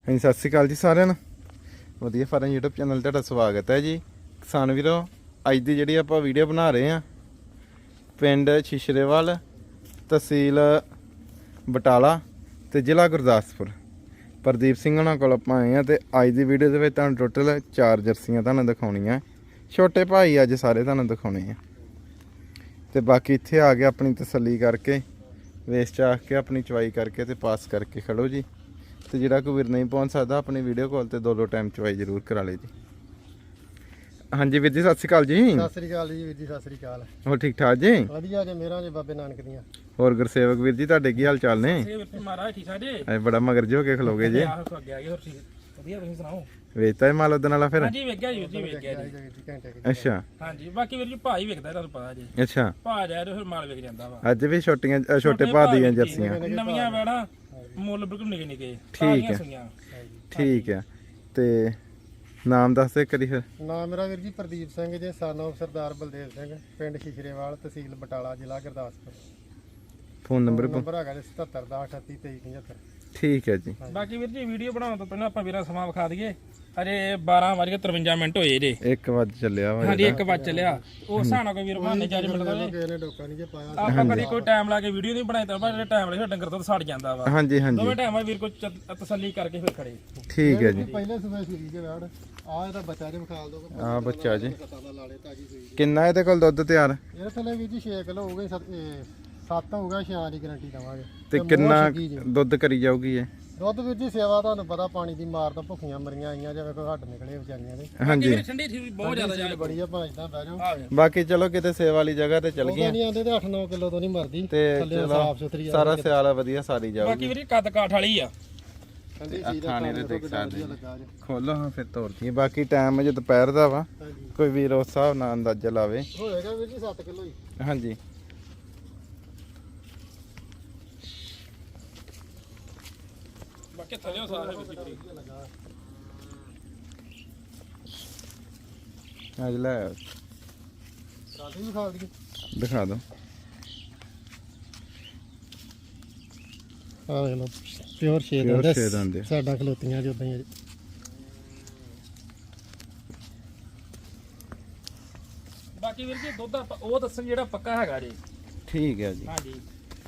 ਹਾਂਜੀ ਸਤਿ ਸ਼੍ਰੀ ਅਕਾਲ ਜੀ ਸਾਰਿਆਂ ਨੂੰ। ਵਧੀਆ ਫਾਰਮ YouTube ਚੈਨਲ ਤੁਹਾਡਾ ਸਵਾਗਤ ਹੈ ਜੀ। ਕਿਸਾਨ ਵੀਰੋ, ਅੱਜ ਦੀ ਜਿਹੜੀ ਆਪਾਂ ਵੀਡੀਓ ਬਣਾ ਰਹੇ ਹਾਂ ਪਿੰਡ ਸ਼ਿਸ਼ਰੇਵਾਲ, ਤਹਿਸੀਲ ਬਟਾਲਾ ਤੇ ਜ਼ਿਲ੍ਹਾ ਗੁਰਦਾਸਪੁਰ, ਪ੍ਰਦੀਪ ਸਿੰਘ ਉਹਨਾਂ ਕੋਲ ਆਪਾਂ ਆਏ ਹਾਂ। ਤੇ ਅੱਜ ਦੀ ਵੀਡੀਓ ਦੇ ਵਿੱਚ ਤੁਹਾਨੂੰ ਟੋਟਲ 4 ਜਰਸੀਆਂ ਤੁਹਾਨੂੰ ਦਿਖਾਉਣੀਆਂ। ਛੋਟੇ ਭਾਈ ਅੱਜ ਸਾਰੇ ਤੁਹਾਨੂੰ ਦਿਖਾਉਣੇ ਆ। ਤੇ ਬਾਕੀ ਇੱਥੇ ਆ ਕੇ ਆਪਣੀ ਤਸੱਲੀ ਕਰਕੇ ਵੇਚ ਚਾਖ ਕੇ ਆਪਣੀ ਚਵਾਈ ਕਰਕੇ ਤੇ ਪਾਸ ਕਰਕੇ ਖੜੋ ਜੀ। ਤੇ ਜਿਹੜਾ ਕੋਈ ਵੀਰ ਨਹੀਂ ਪਹੁੰਚ ਸਕਦਾ ਆਪਣੀ ਵੀਡੀਓ ਕਾਲ ਤੇ ਦੋ ਟਾਈਮ ਚਵਾਈ ਜ਼ਰੂਰ ਕਰਾ ਲੇ ਜੀ। ਹਾਂਜੀ ਵੀਰ ਜੀ ਸਤਿ ਸ਼੍ਰੀ ਅਕਾਲ ਜੀ। ਸਤਿ ਸ੍ਰੀ ਅਕਾਲ ਜੀ ਵੀਰ ਜੀ, ਸਤਿ ਸ੍ਰੀ ਅਕਾਲ। ਹੋਰ ਠੀਕ ਠਾਕ ਜੀ? ਵਧੀਆ ਜੀ, ਮੇਰਾ ਜੀ ਬਾਬੇ ਨਾਨਕ ਦੀਆਂ। ਹੋਰ ਗੁਰਸੇਵਕ ਵੀਰ ਜੀ ਤੁਹਾਡੇ ਕੀ ਹਾਲ ਚਾਲ ਨੇ? ਮਹਾਰਾਜ ਠੀਕ ਠਾਕ ਜੀ। ਐ ਬੜਾ ਮਗਰ ਜੋ ਕੇ ਖਲੋਗੇ ਜੀ। ਵਧੀਆ, ਤੁਸੀਂ ਸੁਣਾਓ? ਵੇਚਤਾ ਇਹ ਮਾਲ ਉਦਣ ਵਾਲਾ ਫਿਰ? ਹਾਂਜੀ ਵੇਖਿਆ ਜੀ, ਵੇਖਿਆ ਜੀ। ਅੱਛਾ ਹਾਂਜੀ, ਬਾਕੀ ਵੀਰ ਜੀ ਭਾਈ ਵੇਖਦਾ, ਤੁਹਾਨੂੰ ਪਤਾ ਜੀ। ਅੱਛਾ, ਭਾਅ ਜਾਏ ਫਿਰ ਮਾਲ ਵੇਖ ਜਾਂਦਾ ਵਾ। ਅੱਜ ਵੀ ਛੋਟੇ ਭਾਅ ਦੀਆਂ ਜਰਸੀਆਂ ਨਵੀਆਂ ਵੈਣਾ, ਮੁੱਲ ਬਿਲਕੁਲ ਨਿੱਕੇ ਨਿੱਕੇ। ਠੀਕ ਹੈ, ਠੀਕ ਹੈ। ਤੇ ਨਾਮ ਦੱਸ ਦੇ ਕਰੀ ਫਿਰ। ਨਾਮ ਮੇਰਾ ਵੀਰ ਜੀ ਪ੍ਰਦੀਪ ਸਿੰਘ ਜੀ, son of ਸਰਦਾਰ ਬਲਦੇਵ ਸਿੰਘ, ਪਿੰਡ ਸ਼ਿਸ਼ਰੇਵਾਲ, ਤਹਿਸੀਲ ਬਟਾਲਾ, ਜ਼ਿਲ੍ਹਾ ਗੁਰਦਾਸਪੁਰ। ਫੋਨ ਨੰਬਰ ਹੈਗਾ ਜੀ 7710382375। ਠੀਕ ਹੈ ਜੀ। ਬਾਕੀ ਵੀਰ ਜੀ ਵੀਡੀਓ ਬਣਾਉਣ ਤੋਂ ਪਹਿਲਾਂ ਆਪਾਂ ਵੀਰਾਂ ਸਮਾਂ ਵਿਖਾ ਦਈਏ। ਅਜੇ 12:53 ਮਿੰਟ ਹੋਏ ਜੇ। 1 ਵਜ ਚੱਲਿਆ ਵਾ। ਹਾਂਜੀ 1 ਵਜ ਚੱਲਿਆ। ਉਸ ਹਿਸਾਬ ਨਾਲ ਕੋਈ ਵੀਰ ਬਹਾਨੇ ਜੱਜ ਮਿਲਦਾ ਨੇ। ਆਪਾਂ ਕਦੀ ਕੋਈ ਟਾਈਮ ਲਾ ਕੇ ਵੀਡੀਓ ਨਹੀਂ ਬਣਾਈ ਤਾਂ ਜਿਹੜੇ ਟਾਈਮ ਲਾ ਕੇ ਡੰਗਰ ਤੋਂ ਸੜ ਜਾਂਦਾ ਵਾ। ਹਾਂਜੀ ਹਾਂਜੀ, ਦੋਵੇਂ ਟਾਈਮ ਵੀਰ ਕੋ ਤਸੱਲੀ ਕਰਕੇ ਫਿਰ ਖੜੇ। ਠੀਕ ਹੈ ਜੀ। ਪਹਿਲੇ ਸਵੇਰ ਸੂਈ ਦੇ ਵੜ ਆ ਇਹਦਾ ਬੱਚਾ ਜੇ ਵਿਖਾਲ ਦੋ। ਆ ਬੱਚਾ ਜੀ ਕਿੰਨਾ ਇਹਦੇ ਕੋਲ ਦੁੱਧ ਤਿਆਰ? ਇਹ ਥੱਲੇ ਵੀਰ ਜੀ 6 ਕਿਲੋ ਹੋ ਗਏ, 7 ਹੋਊਗਾ, 6 ਦੀ ਗਾਰੰਟੀ ਦਵਾਂਗੇ। ਤੇ ਕਿੰਨਾ ਦੁੱਧ ਕਰੀ ਜਾਊਗੀ ਇਹ? ਦੁੱਧ ਵੀਰ ਜੀ ਸੇਵਾ ਤੁਹਾਨੂੰ ਪਤਾ ਪਾਣੀ ਦੀ ਮਾਰ ਤੋਂ ਭੁੱਖੀਆਂ ਮਰੀਆਂ ਆਈਆਂ, ਜਿਵੇਂ ਕੋਈ ਹੱਡ ਨਿਕਲੇ ਵਿਚਾਰੀਆਂ ਦੇ। ਹਾਂਜੀ ਠੰਡੀ ਠੀਕ ਬਹੁਤ ਜ਼ਿਆਦਾ ਜਾ ਬੜੀ ਆ, ਭਾਂ ਇਦਾਂ ਬਹਿ ਜਾਓ। ਬਾਕੀ ਚਲੋ ਕਿਤੇ ਸੇਵਾ ਵਾਲੀ ਜਗ੍ਹਾ ਤੇ ਚੱਲ ਗਈਆਂ ਨਹੀਂ ਆਂਦੇ ਤੇ 8-9 ਕਿਲੋ ਤੋਂ ਨਹੀਂ ਮਰਦੀ। ਤੇ ਥੱਲੇ ਸਾਫ ਸੁਥਰੀ ਸਾਰਾ ਸਿਆਲ ਵਧੀਆ ਸਾਰੀ ਜਾਊਗੀ। ਬਾਕੀ ਵੀਰ ਕੱਦ ਕਾਠ ਵਾਲੀ ਆ। ਖਾਣੇ ਦੇ ਦੇਖ ਸਕਦੇ ਖੋਲੋ ਹਾਂ ਫਿਰ ਤੋਰਦੀ। ਬਾਕੀ ਟਾਈਮ ਜੇ ਦੁਪਹਿਰ ਦਾ ਵਾ, ਕੋਈ ਵੀਰ ਉਸ ਹਿਸਾਬ ਨਾਲ ਅੰਦਾਜ਼ਾ ਲਾਵੇ। ਹੋਏਗਾ ਵੀਰ ਜੀ 7 ਕਿਲੋ ਹੀ। ਹਾਂਜੀ ਬਾਕੀ ਥੱਲੇ ਸਾਰੇ ਅੱਜ ਲੈ ਰਾਤੀ ਵੀ ਖਾ ਲਈਏ, ਦਿਖਾ ਦੋ। ਆ ਵੇਖ ਲਓ ਪਿਓਰ ਸ਼ੇਡ ਦੰਦ ਸਾਡਾ ਖਲੋਤੀਆਂ ਜਿੱਦਾਂ ਹੀ। ਬਾਕੀ ਵੀਰ ਜੀ ਦੁੱਧ ਉਹ ਦੱਸਣ ਜਿਹੜਾ ਪੱਕਾ ਹੈਗਾ ਜੀ। ਠੀਕ ਹੈ ਜੀ। ਹਾਂਜੀ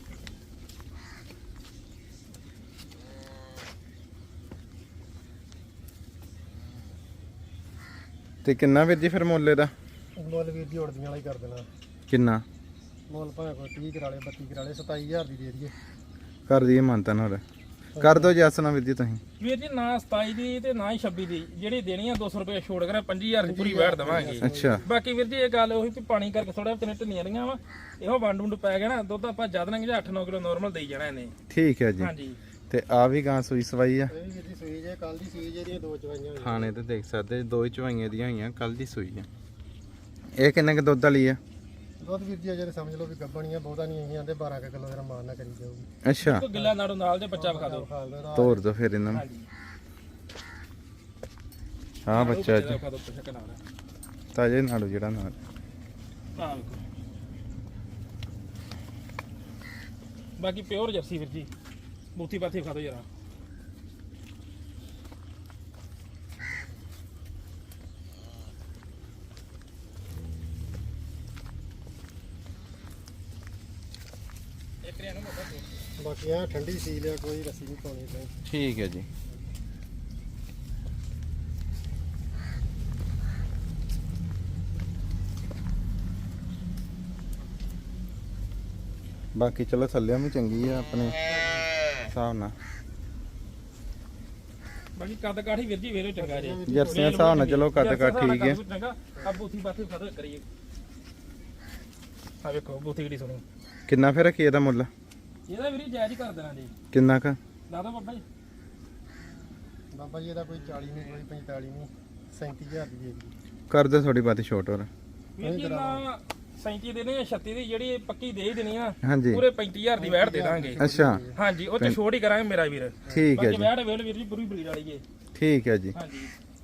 ਤੇ ਕਿੰਨਾ ਵੀਰ ਜੀ ਫਿਰ ਮੁੱਲ ਇਹਦਾ? ਮੁੱਲ ਵੀਰ ਜੀ ਉੜਦੀਆਂ ਵਾਲਾ ਹੀ ਕਰ ਦੇਣਾ। ਕਿੰਨਾ ਮੁੱਲ ਭਾਵੇਂ ਕੋਈ 30 ਕਰਾ ਲੇ, 32 ਕਰਾ ਲੇ, 27000 ਦੀ ਦੇ ਦਈਏ। ਕਰ ਦਈਏ ਮਾਨਤਾ ਨਾਲ ਕਰ ਦੋ ਜੈਸ ਨਾ ਵੀਰ ਜੀ ਤੁਸੀਂ। ਵੀਰ ਜੀ ਨਾ 27 ਦੀ ਤੇ ਨਾ ਹੀ 26 ਦੀ, ਜਿਹੜੀ ਦੇਣੀ ਆ 200 ਰੁਪਏ ਛੋੜ ਕਰਾ 25000 ਦੀ ਪੂਰੀ ਵੈਟ ਦਵਾਂਗੇ। ਅੱਛਾ, ਬਾਕੀ ਵੀਰ ਜੀ ਇਹ ਗੱਲ ਉਹੀ ਵੀ ਪਾਣੀ ਕਰਕੇ ਥੋੜਾ ਤਿੰਨ ਢਿੱਲੀਆਂ ਰਹੀਆਂ ਵਾ, ਇਹੋ ਵੰਡ ਵੁੰਡ ਪੈ ਗਿਆ ਨਾ, ਦੁੱਧ ਆਪਾਂ ਜਦ ਨਾ 8-9 ਕਿਲੋ ਨਾਰਮਲ ਦੇਈ ਜਾਣਾ ਇਹਨੇ। ਠੀਕ ਹੈ ਜੀ। ਹਾਂਜੀ ਤੇ ਆ ਵੀ ਗਾਂ ਸੂਈ ਸਵਾਈ ਆ? ਇਹ ਵੀਰ ਜੀ ਸੂਈ ਜੇ ਕੱਲ ਦੀ ਸੂਈ ਜਿਹੜੀਆਂ 2 ਚਵਾਈਆਂ ਹੋਈਆਂ। ਖਾਣੇ ਤੇ ਦੇਖ ਸਕਦੇ 2 ਹੀ ਚਵਾਈਆਂ ਦੀਆਂ ਹੋਈਆਂ, ਕੱਲ ਦੀ ਸੂਈ ਆ। ਇਹ ਕਿੰਨੇ ਕ ਦੁੱਧ ਵਾਲੀ ਆ? ਦੁੱਧ ਵੀਰ ਜੀ ਅਜੇ ਸਮਝ ਲਓ ਵੀ ਗੱਬਣੀਆਂ ਬਹੁਤਾ ਨਹੀਂ ਆਈਆਂ ਤੇ 12 ਕਿਲੋ ਦਾ ਮਾਰਨਾ ਕਰੀ ਜਾਊਗੀ। ਅੱਛਾ, ਕੋਈ ਗਿੱਲਾ ਨਾੜੂ ਨਾਲ ਦੇ ਬੱਚਾ ਵਿਖਾ ਦਿਓ। ਤੋਰ ਦੋ ਫਿਰ ਇਹਨਾਂ ਨੂੰ। ਹਾਂ ਬੱਚਾ ਜੀ ਤਾਜੇ ਨਾੜੂ ਜਿਹੜਾ ਨਾਲ। ਬਾਕੀ ਪਿਓਰ ਜਰਸੀ ਵੀਰ ਜੀ, ਬੂਥੀ ਪਾਥੀ ਵਿਖਾ ਦਿਓ ਜਰਾ। ਬਾਕੀ ਆ ਠੰਡੀ ਸੀ ਲਿਆ, ਕੋਈ ਰੱਸੀ ਨਹੀਂ ਪਾਉਣੀ ਤੇ। ਠੀਕ ਹੈ ਜੀ। ਬਾਕੀ ਚਲੋ ਥੱਲਿਆਂ ਵੀ ਚੰਗੀ ਆ ਆਪਣੇ ਹਿਸਾਬ ਨਾਲ। ਬਾਕੀ ਕੱਦ ਕਾਠੀ ਵੀਰ ਜੀ ਵੇਰੋ ਚੰਗਾ ਜੀ। ਜਰਸੀਆਂ ਹਿਸਾਬ ਨਾਲ ਚਲੋ ਕੱਦ ਕਾਠ ਠੀਕ ਹੈ। ਆ ਬੂਥੀ ਬਾਥੀ ਖਾ ਦੋ ਕਰੀਏ। ਆ ਵੇਖੋ ਬੂਥੀ ਕਿਹੜੀ ਸੋਹਣੀ। ਕਿੰਨਾ ਫਿਰ ਰੱਖੀ ਇਹਦਾ ਮੁੱਲ? ਇਹਦਾ ਵੀਰ ਜਾਇਜ਼ ਹੀ ਕਰ ਦੇਣਾ ਜੀ। ਕਿੰਨਾ ਕ ਲਾ ਦੋ ਬਾਬਾ ਜੀ। ਬਾਬਾ ਜੀ ਇਹਦਾ ਕੋਈ 40 ਨਹੀਂ, ਕੋਈ 45 ਨਹੀਂ, 37000 ਦੀ ਦੇ ਦੀ। ਕਰ ਦੇ ਥੋੜੀ ਬਾਤੀ ਛੋਟ ਹੋਰ। ਵੀਰ ਜੀ ਨਾ 37 ਦੇਣੇ ਆ, 36 ਦੀ ਜਿਹੜੀ ਪੱਕੀ ਦੇ ਹੀ ਦੇਣੀ ਆ। ਹਾਂਜੀ ਪੂਰੇ 35000 ਦੀ ਵੈਟ ਦੇ ਦਾਂਗੇ। ਅੱਛਾ ਹਾਂਜੀ ਉਹ ਚ ਛੋਟ ਹੀ ਕਰਾਂਗੇ ਮੇਰਾ ਵੀਰ। ਠੀਕ ਹੈ ਬਾਕੀ ਜੀ। ਵੈਟ ਵੇਲ ਵੀਰ ਜੀ ਪੂਰੀ ਬਰੀਡ ਵਾਲੀ ਏ। ਠੀਕ ਹੈ ਜੀ। ਹਾਂਜੀ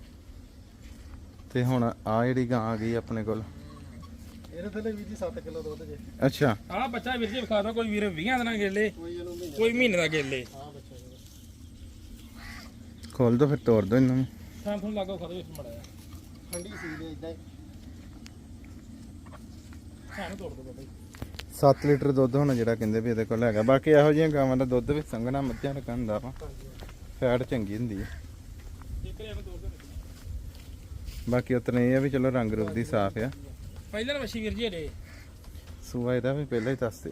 ਤੇ ਹੁਣ ਆ ਜਿਹੜੀ ਗਾਂ ਆ ਗਈ ਆਪਣੇ ਕੋਲ, ਇਹਦੇ ਥੱਲੇ ਵੀਰ ਜੀ 7 ਕਿਲੋ ਦੁੱਧ ਜੇ। ਅੱਛਾ, ਆਹ ਬੱਚਾ ਵੀਰ ਜੀ ਵਿਖਾ ਦੋ, ਕੋਈ ਵੀਰ 20 ਦਿਨਾਂ ਗੇਲੇ, ਕੋਈ ਮਹੀਨੇ ਦਾ ਗੇਲੇ। ਖੋਲ ਦੋ ਫਿਰ ਤੋੜ ਦੋ ਇਹਨਾਂ ਨੂੰ। ਥਾਂ ਤੁਹਾਨੂੰ ਲੱਗੋ ਖੜੇ ਵਿੱਚ ਮੜਿਆ ਠੰਡੀ ਸੀ ਦੇ ਇਦਾਂ ਹੀ ਸਾਨੂੰ ਤੋੜ ਦੋ ਬਾਬਾ ਜੀ 7 ਲੀਟਰ ਦੁੱਧ ਹੁਣ ਜਿਹੜਾ ਕਹਿੰਦੇ ਵੀ ਇਹਦੇ ਕੋਲ ਹੈਗਾ। ਬਾਕੀ ਇਹੋ ਜਿਹੀਆਂ ਗਾਵਾਂ ਦਾ ਦੁੱਧ ਵੀ ਸੰਘਣਾ ਮੱਝਾਂ ਦਾ ਹੁੰਦਾ ਵਾ, ਫੈਟ ਚੰਗੀ ਹੁੰਦੀ ਹੈ। ਇੱਕ ਰਿਆ ਨੂੰ ਤੋੜ ਦੋ ਬਾਕੀ ਉਤਨੇ ਇਹ ਆ ਵੀ ਚਲੋ ਰੰਗ ਰੂਪ ਦੀ ਸਾਫ਼ ਆ। ਪਹਿਲਾਂ ਵਸ਼ੀ ਵੀਰ ਜੀ ਅਜੇ ਸੂਆ ਇਹਦਾ ਵੀ ਪਹਿਲਾਂ ਹੀ ਦੱਸਦੇ।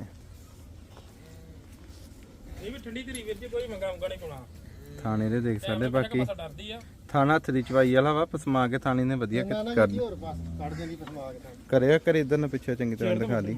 ਇਹ ਵੀ ਠੰਡੀ ਧਰੀ ਵੀਰ ਜੀ, ਕੋਈ ਮੰਗਾ ਨਹੀਂ ਪਾਉਣਾ। ਥਾਣੇ ਦੇ ਦੇਖ ਸਕਦੇ। ਬਾਕੀ ਬਸ ਡਰਦੀ ਆ ਥਾਣਾ ਹੱਥ ਦੀ ਚਵਾਈ ਵਾਲਾ ਵਾ, ਪਸਮਾ ਕੇ ਥਾਣੀ ਨੇ ਵਧੀਆ ਕਰ ਹੋਰ ਬਸ ਕੱਢ ਜਾਂਦੀ ਪਸਮਾ ਕੇ ਤਾਂ ਕਰਿਆ ਕਰ ਇਧਰ ਨੂੰ ਪਿੱਛੇ ਚੰਗੀ ਤਰ੍ਹਾਂ ਦਿਖਾ ਦੀ।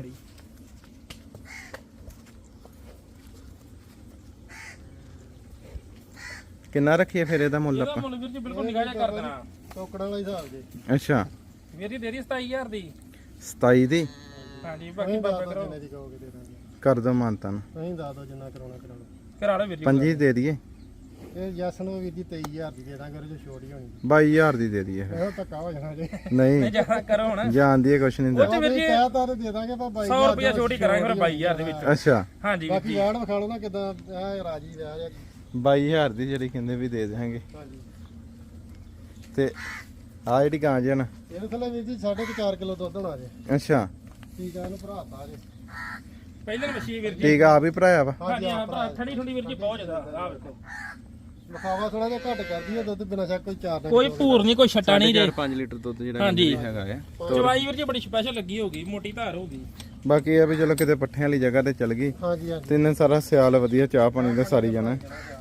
ਕਿੰਨਾ ਰੱਖੀਏ ਫਿਰ ਇਹਦਾ ਮੁੱਲ ਇਹਦਾ ਆਪਾਂ? ਮੁੱਲ ਵੀਰ ਜੀ ਬਿਲਕੁਲ ਨਿਗਾਹ ਜਿਹਾ ਕਰ ਦੇਣਾ। ਟੋਕੜਾਂ ਵਾਲਾ ਹਿਸਾਬ ਦੇ ਅੱਛਾ ਵੀਰ ਜੀ ਦੇ ਦੀ 27000 ਦੀ। 27 ਦੀ ਹਾਂਜੀ ਬਾਕੀ ਬਾਬਾ ਕਰੋ ਜਿੰਨੇ ਦੀ ਕਹੋਗੇ ਦੇ ਦਾਂਗੇ। ਕਰ ਦੋ ਮਾਨਤਾ ਨੂੰ। ਨਹੀਂ ਦੱਸ ਦੋ ਜਿੰਨਾ ਕਰਾਉਣਾ ਕਰਾ ਲਓ। ਕਰਾ ਲਓ ਵੀਰ ਜੀ। 25 ਦੇ ਦਈਏ। ਇਹ ਜੱਸ ਨੂੰ ਵੀਰ ਜੀ 23000 ਦੀ ਦੇ ਦਾਂਗੇ, ਉਹਦੇ ਚ ਛੋਟ ਹੀ ਹੋਣੀ। 22000 ਦੀ ਦੇ ਦਈਏ ਫਿਰ। ਇਹੋ ਧੱਕਾ ਹੋ ਜਾਣਾ ਜੇ ਨਹੀਂ ਜਾ ਕਰੋ ਹੁਣ ਜਾਣਦੀ ਹੈ ਕੁਛ ਨਹੀਂ ਉਹ ਚ ਵੀਰ ਜੀ ਕਹਿਤਾ ਤੇ ਦੇ ਦਾਂਗੇ ਪਰ 100 ਰੁਪਿਆ ਛੋਟੀ ਕਰਾਂਗੇ ਫਿਰ 22000 ਦੇ ਵਿੱਚ। ਅੱਛਾ ਹਾਂਜੀ ਵੀਰ ਬਾਕੀ ਜੀ ਵਾੜ ਵਿਖਾ ਲਓ ਨਾ ਕਿਦਾਂ ਐ ਰਾਜੀ ਰਹਿ ਰਿਹਾ। 22000 ਦੀ ਜਿਹੜੀ ਕਹਿੰਦੇ ਵੀ ਦੇ ਦੇਵਾਂਗੇ। ਹਾਂਜੀ ਤੇ ਆ ਜਿਹੜੀ ਗਾਂ ਜੇ ਨਾ ਇਹਦੇ ਥੱਲੇ ਵੀਰ ਜੀ 4.5 ਕਿਲੋ ਦੁੱਧ ਹੋਣਾ ਜੇ। ਅੱਛਾ ਠੀਕ ਆ, ਇਹਨੂੰ ਭਰਾਤਾ ਜੇ। ਪਹਿਲਾਂ ਵਸ਼ੀ ਵੀਰ ਜੀ। ਠੀਕ ਆ ਵੀ ਭਰਾਇਆ ਵਾ। ਹਾਂਜੀ ਹਾਂ ਭਰਾ ਠੰਡੀ ਠੰਡੀ ਵੀਰ ਜੀ ਬਹੁਤ ਜ਼ਿਆਦਾ ਆ ਵੇਖੋ। ਵਿਖਾਵਾ ਥੋੜਾ ਜਿਹਾ ਘੱਟ ਕਰਦੀ ਹੈ ਦੁੱਧ, ਬਿਨਾਂ ਸ਼ੱਕ ਕੋਈ 4 ਦਿਨ ਕੋਈ ਭੂਰ ਨਹੀਂ ਕੋਈ ਛੱਟਾ ਨਹੀਂ ਜੇ। 5 ਲੀਟਰ ਦੁੱਧ ਜਿਹੜਾ ਹਾਂਜੀ। ਕਹਿੰਦੇ ਵੀ ਹੈਗਾ ਹੈ। ਚਵਾਈ ਵੀਰ ਜੀ ਬੜੀ ਸਪੈਸ਼ਲ ਲੱਗੀ ਹੋਗੀ, ਮੋਟੀ ਧਾਰ ਹੋਗੀ। ਬਾਕੀ ਇਹ ਆ ਵੀ ਚਲੋ ਕਿਤੇ ਪੱਠਿਆਂ ਵਾਲੀ ਜਗ੍ਹਾ ਤੇ ਚਲ ਗਈ ਹਾਂਜੀ ਹਾਂਜੀ ਤੇ ਇਹਨੇ ਸਾਰਾ ਸਿਆਲ ਵਧੀਆ ਚਾਹ ਪਾਣੀ ਦਾ ਸਾਰੀ ਜਾਣਾ।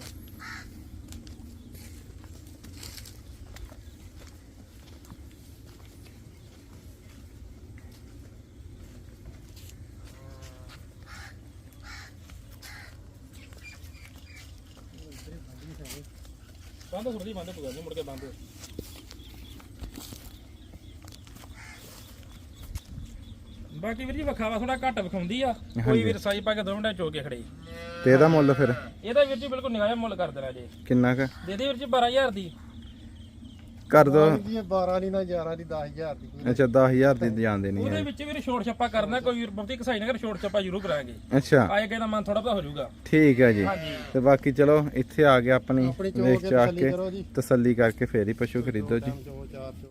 ਬੰਦ ਥੋੜੀ ਬੰਦ ਪੂਗਾ ਨਹੀਂ ਮੁੜ ਕੇ ਬੰਦ। ਬਾਕੀ ਵੀਰ ਜੀ ਵਿਖਾਵਾ ਥੋੜਾ ਘੱਟ ਵਿਖਾਉਂਦੀ ਆ। ਕੋਈ ਵੀਰ ਸਾਈ ਪਾ ਕੇ 2 ਮਿੰਟਾਂ ਚੋਕ ਕੇ ਖੜੇ। ਤੇ ਇਹਦਾ ਮੁੱਲ ਫਿਰ ਇਹਦਾ ਵੀਰ ਜੀ ਬਿਲਕੁਲ ਨਿਗਾਹ ਮੁੱਲ ਕਰ ਦੇਣਾ ਜੇ। ਕਿੰਨਾ ਕ ਦੇ ਦੇ ਵੀਰ ਜੀ 12000 ਦੀ। ਕਰ ਦੋ? ਜੀ ਇਹ 12 ਨਹੀਂ ਨਾ 11 ਦੀ 10000 ਦੀ। ਅੱਛਾ 10000 ਦੀ ਜਾਣ ਦੇਣੀ ਉਹਦੇ ਹੈ। ਵਿੱਚ ਵੀਰ ਛੋਟ ਛੱਪਾ ਕਰਨਾ, ਕੋਈ ਵੀਰ ਬਹੁਤੀ ਕਸਾਈ ਨਾ ਕਰ, ਛੋਟ ਛੱਪਾ ਜ਼ਰੂਰ ਕਰਾਂਗੇ। ਅੱਛਾ ਆਏ ਕਿਸੇ ਦਾ ਮਨ ਥੋੜਾ ਬਹੁਤਾ ਹੋ ਜਾਊਗਾ। ਠੀਕ ਹੈ ਜੀ। ਹਾਂਜੀ ਤੇ ਬਾਕੀ ਚਲੋ ਇੱਥੇ ਆ ਕੇ ਆਪਣੀ ਆਪਣੀ ਚੋ ਵੇਖ ਕੇ ਚਾਹ ਤਸੱਲੀ ਕੇ ਕਰੋ ਜੀ। ਤਸੱਲੀ ਕਰਕੇ ਫੇਰ ਹੀ ਪਸ਼ੂ ਖਰੀਦੋ ਜੀ। ਚੋ 4